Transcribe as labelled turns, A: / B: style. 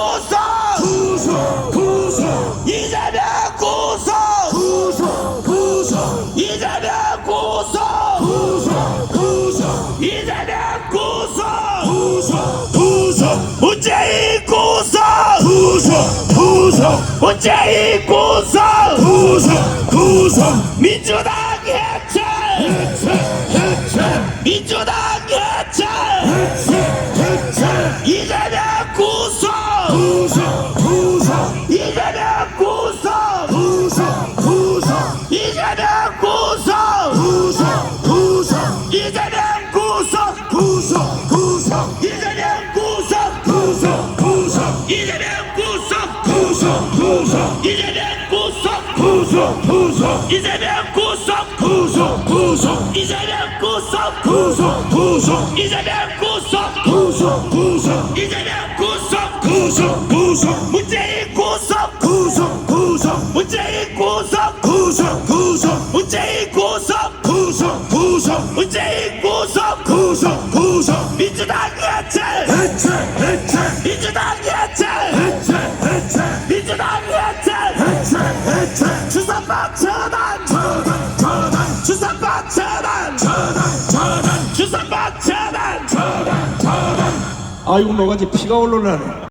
A: 구속
B: 구속 구속
A: 이재명 구속
B: 구속 구속
A: 이재명 구속
B: 구속 구속
A: 이재명 구속
B: 구속 구속
A: 문재인 구속
B: 구속 구속
A: 문재인 구속
B: 구속 구속
A: 민주당 해체
B: 해체 해체
A: 민주당 해체
B: 해체 해체
A: 이재명 구속
B: 구속 구속
A: 이재명 구속
B: 구속 구속
A: 이재명 구속
B: 구속 구속
A: 이재명 구속
B: 구속 구속
A: 이재명 구속
B: 구속 구속
A: 이재명 구속
B: 구속 구속
A: 이재명 구속
B: 구속 구속
A: 이재명 구속
B: 구속 구속
A: 이재명 구속
B: 구속 구속
A: 이재명 구속
B: 구속 구속
A: 이재명 구속
B: 구속 구속
A: 문재인 구속
B: 구속 구속
A: 문재인 구속
B: 구속 구속
A: 문재인 구속
B: 구속 구속
A: 문재인 구속
B: 구속 구속
A: 민주당 해체
B: 해체 해체
A: 민주당 해체
B: 해체 해체
A: 민주당 해체
B: 해체 해체
A: 주사파 처단
B: 처단 처단
A: 주사파 처단
B: 처단 처단
A: 주사파 처단
B: 처단 처단
C: 아이고 뭐가지 피가 올라오네.